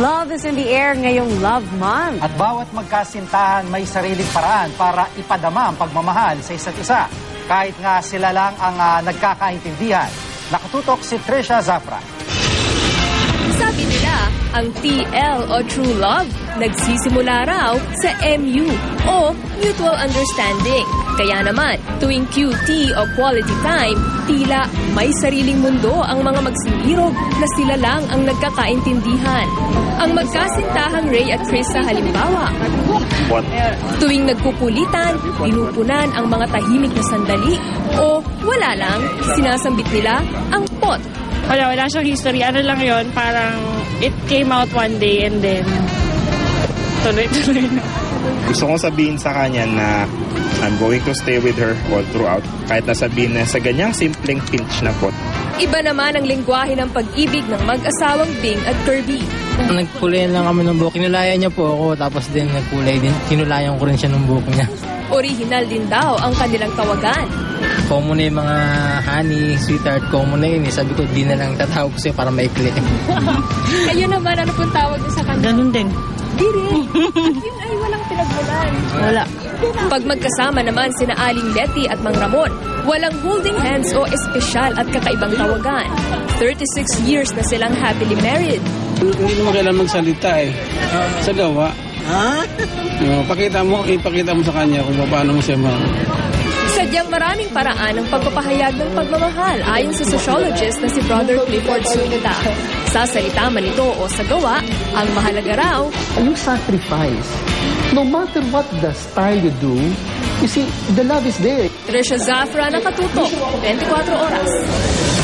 Love is in the air ngayong Love Month. At bawat magkasintahan may sariling paraan para ipadama ang pagmamahal sa isa't isa. Kahit nga sila lang ang nagkakaintindihan. Nakatutok si Trisha Zafra. Sabi nila, ang TL o True Love nagsisimula raw sa MU o Mutual Understanding. Kaya naman, tuwing QT o Quality Time, tila may sariling mundo ang mga magsinirog na sila lang ang nagkakaintindihan. Ang magkasintahang Ray at Chris sa halimbawa. Tuwing nagkukulitan, pinupunan ang mga tahimik na sandali o wala lang, sinasambit nila ang pot. Wala siyang history. Ano lang yon, parang it came out one day and then tuloy-tuloy na. Gusto kong sabihin sa kanya na I'm going to stay with her all throughout. Kahit nasabihin na sa ganyang simpleng pinch na pot. Iba naman ang lengguwahe ng pag-ibig ng mag-asawang Bing at Kirby. Nagkulay lang kami ng buhok. Kinulayan niya po ako, tapos din nagkulay din. Kinulayan ko rin siya ng buhok niya. Original din daw ang kanilang tawagan. Common na yung mga honey, sweetheart, common na yun. Sabi ko, di na lang tatawag ko sa'yo para maikli. Kayo naman, ano pong tawag niyo sa kanya? Ganun din. Di rin. At yun ay walang pinagmulan. Wala. Pag magkasama naman sina Aling Letty at Mang Ramon, walang holding hands o espesyal at kakaibang tawagan. 36 years na silang happily married. Hindi naman kailangan magsalita eh. Sa gawa. Ipakita mo sa kanya kung paano mo siya Sadyang maraming paraan ang pagpapahayag ng pagmamahal ayon sa sociologist na si Brother Clifford Zuniga. Sa salita man ito o sa gawa, ang mahalaga raw, you sacrifice. No matter what the style you do, you see, the love is there. Trisha Zafra, Nakatutok, 24 Oras.